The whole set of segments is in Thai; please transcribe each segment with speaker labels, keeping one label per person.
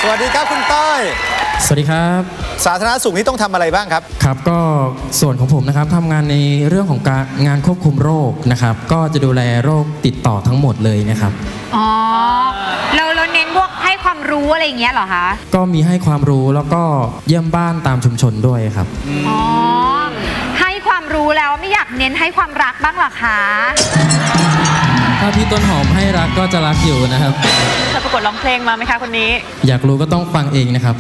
Speaker 1: วัสดีครับคุณต้อย
Speaker 2: สวัสดีครับ
Speaker 1: สาธารณสุขนี่ต้องทำอะไรบ้างครับ
Speaker 2: ครับก็ส่วนของผมนะครับทำงานในเรื่องของการงานควบคุมโรคนะครับก็จะดูแลโรคติดต่อทั้งหมดเลยนะครับ
Speaker 3: อ๋อเราเน้นพวกให้ความรู้อะไรอย่างเงี้ยเหรอคะ
Speaker 2: ก็มีให้ความรู้แล้วก็เยี่ยมบ้านตามชุมชนด้วยครับ
Speaker 3: อ๋อให้ความรู้แล้วไม่อยากเน้นให้ความรักบ้างหรอคะ
Speaker 2: ถ้าพี่ต้นหอมให้รักก็จะรักอยู่นะครับ
Speaker 4: เคยประกวดร้องเพลงมาไหมคะคนนี้
Speaker 2: อยากรู้ก็ต้องฟังเองนะครับ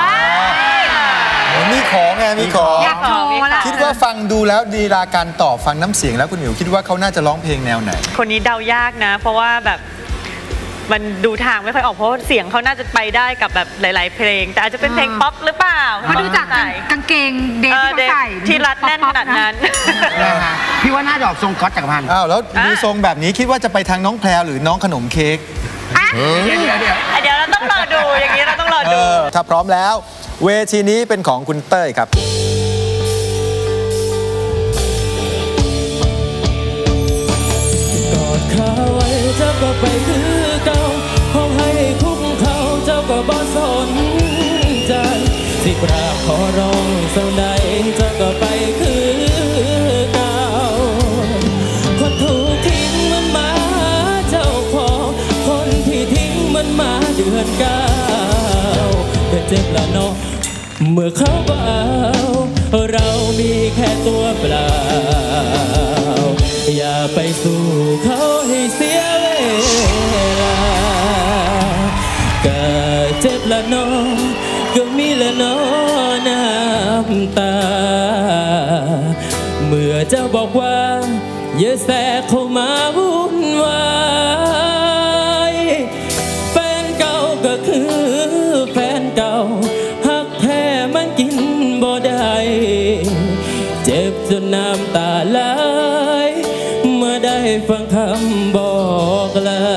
Speaker 1: มีของไงมีของ
Speaker 3: อยากโชว์ละ
Speaker 1: คิดว่าฟังดูแล้วดีลาการตอบฟังน้ำเสียงแล้วคุณหมิวคิดว่าเขาน่าจะร้องเพลงแนวไหน
Speaker 4: คนนี้เดายากนะเพราะว่าแบบมันดูทางไม่ค่อยออกเพราะเสียงเขาน่าจะไปได้กับแบบหลายๆเพลงแต่อาจจะเป็นเพลงป๊อปหรือเปล่า
Speaker 3: มาดูจากกางเกงเดฟที่เขาใส่
Speaker 4: ที่รัดแน่นขนาดนั้น
Speaker 5: พี่ว่าน่าจะออกทรงก๊อตจักรพันธ์
Speaker 1: อ้าวแล้วมีทรงแบบนี้คิดว่าจะไปทางน้องแพรหรือน้องขนมเค้ก
Speaker 4: เดี๋ยวเราต้องรอดูอย่างนี้เราต้องรอดู
Speaker 1: ถ้าพร้อมแล้วเวทีนี้เป็นของคุณเต้ยครับ
Speaker 2: กอดเขาไว้เจ้าก็ไปคือเก่าห้องให้คุ้มเขาเจ้าก็บ่สนใจสิกราบขอร้องเท่าใดเจ้าก็ไปคือเก่าคนถูกทิ้งมันมาเจ้าของคนที่ทิ้งมันมาเดือนเก้าก็เจ็บละเนาะเมื่อเขาเบาเรามีแค่ตัวเปล่าอย่าไปสู้เขาให้เสียเวลาก็เจ็บละเนาะก็มีละเนาะน้ำตาเมื่อเจ้าบอกว่าอย่าแทรกเข้ามาวุ่นวายแฟนเก่าก็คือแฟนเก่าหักแท้มันกินบ่ได้เจ็บจนน้ำตาไหลเมื่อได้ฟังคำบอกลา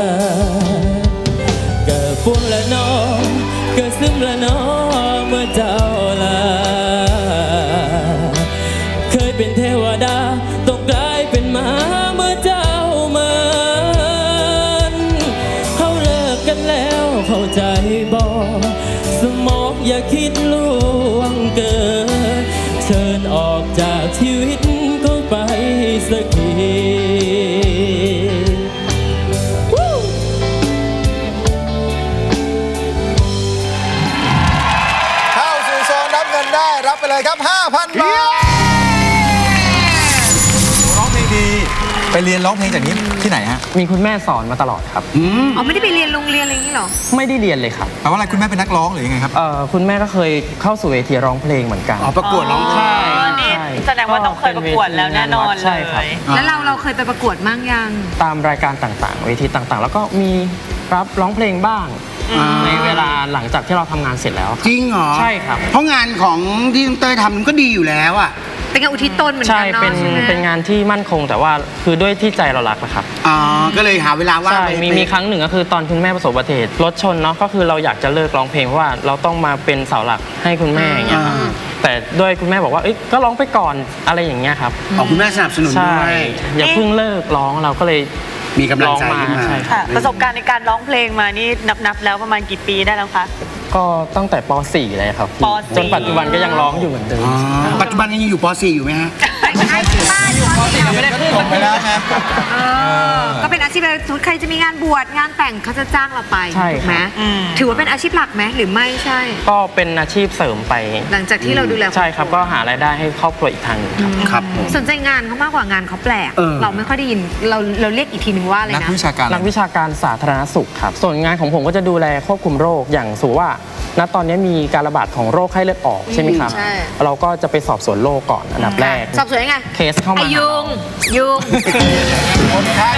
Speaker 2: ก็ฟุ้งละน้องก็ซึมละน้องเมื่อเจ้าลาเคยเป็นเทวดาต้องกลายเป็นหมาเมื่อเจ้ามันเขาเลิกกันแล้วเข้าใจบอกสมองอย่าคิดล่วงเกินเชิญออกจากชีวิตเขาไปสักที
Speaker 1: เข้าสู่โซนรับเงินได้รับไปเลยครับ 5,000 บาทร้องเพลงดีไปเรียนร้องเพลงจากนี้ที่ไหนฮะ
Speaker 2: มีคุณแม่สอนมาตลอดครับ
Speaker 3: อ๋อไม่ได้ไปเรียนโรงเรียนอะไรอย่างนี้หรอ
Speaker 2: ไม่ได้เรียนเลยครับ
Speaker 1: แปลว่าอะไรคุณแม่เป็นนักร้องหรือยังไงครับ
Speaker 2: คุณแม่ก็เคยเข้าสู่เวทีร้องเพลงเหมือนกัน
Speaker 5: ประกวดร้องเพลง
Speaker 4: แสดงว่าต้องเคยประกวดแล้วแน่นอนเลย
Speaker 3: แล้วเราเคยไปประกวดมั่งยัง
Speaker 2: ตามรายการต่างๆเวทีต่างๆแล้วก็มีรับร้องเพลงบ้างในเวลาหลังจากที่เราทำงานเสร็จแล้ว
Speaker 5: จริงเหรอ
Speaker 2: ใช่ครับ
Speaker 5: เพราะงานของที่เต้ยทำมันก็ดีอยู่แล้วอ่ะ
Speaker 3: เป็นงานอุทิศตนเหมือนกันเนาะ
Speaker 2: เป็นงานที่มั่นคงแต่ว่าคือด้วยที่ใจเรารักนะครับ
Speaker 5: ก็เลยหาเวลาว่าง
Speaker 2: มีครั้งหนึ่งก็คือตอนคุณแม่ประสบอุบัติเหตุรถชนเนาะก็คือเราอยากจะเลิกร้องเพลงเพราะว่าเราต้องมาเป็นเสาหลักให้คุณแม่อย่างเงี้ยครับแต่ด้วยคุณแม่บอกว่าก็ร้องไปก่อนอะไรอย่างเงี้ยครับ
Speaker 5: คุณแม่สนับสนุนด้วย
Speaker 2: อย่าเพิ่งเลิกร้องเราก็เลย
Speaker 5: มีกำลังใจขึ้นมา
Speaker 4: ประสบการณ์ในการร้องเพลงมานี่นับแล้วประมาณกี่ปีได้แล้วคะ
Speaker 2: ก็ตั้งแต่ป .4 เลยครับจนปัจจุบันก็ยังร้องอยู่เหมือนเดิม
Speaker 5: ปัจจุบันยังอยู่ป .4 อยู่ไหมฮะ
Speaker 3: อยู่ป
Speaker 1: .4 ไม่ได้ขึ้นไปแล้วครับ
Speaker 3: ก็เป็นอาชีพอะไรใครจะมีงานบวชงานแต่งเขาจะจ้างเราไปถูกไหมถือว่าเป็นอาชีพหลักไหมหรือไม่ใช่
Speaker 2: ก็เป็นอาชีพเสริมไป
Speaker 3: หลังจากที่เราดูแล
Speaker 2: ใช่ครับก็หารายได้ให้ครอบครัวอีกทางนึง
Speaker 5: ครับ
Speaker 3: สนใจงานเขามากกว่างานเขาแปลกเราไม่ค่อยได้ยินเราเรียกอีกทีนึงว่าอะไรนะ
Speaker 1: นักวิชาการ
Speaker 2: สาธารณสุขครับส่วนงานของผมก็จะดูแลควบคุมโรคอย่างสูว่าณตอนนี้มีการระบาดของโรคไข้เลือดออกใช่ไหมครับเราก็จะไปสอบสวนโรคก่อนอันดับแรก
Speaker 3: สอบสวนยังไง
Speaker 2: เคสเข้ามา
Speaker 3: ยุง
Speaker 1: คนไข้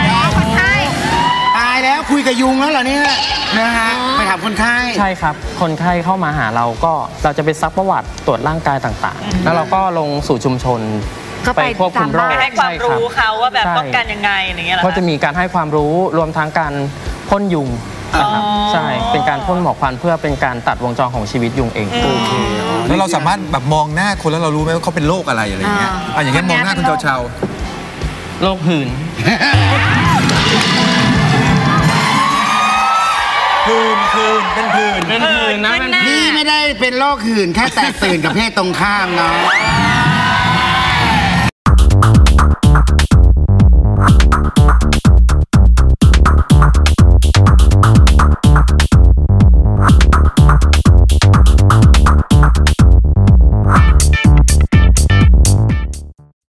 Speaker 5: ตายแล้วคุยกับยุงแล้วเหรอเนี่ยนะฮะไปถามคนไข้
Speaker 2: ใช่ครับคนไข้เข้ามาหาเราก็เราจะไปซักประวัติตรวจร่างกายต่างๆแล้วเราก็ลงสู่ชุมชนไปควบคุมโรค
Speaker 4: ให้ความรู้เขาว่าแบบป้องกันยังไงอย่างเงี้ยก็
Speaker 2: จะมีการให้ความรู้รวมทั้งการพ่นยุงใช่เป็นการพ่นหมอกควันเพื่อเป็นการตัดวงจรของชีวิตยุงเอง
Speaker 1: แล้วเราสามารถแบบมองหน้าคนแล้วเรารู้ไหมว่าเขาเป็นโรคอะไรอะไรอย่างเงี้ยอย่างเงี้ยมองหน้าคุณเชา
Speaker 2: โรคหื่น
Speaker 1: เป็นผื่น
Speaker 5: พี่ไม่ได้เป็นโรคหื่นแค่แตกตื่นกับเพศตรงข้ามเนาะ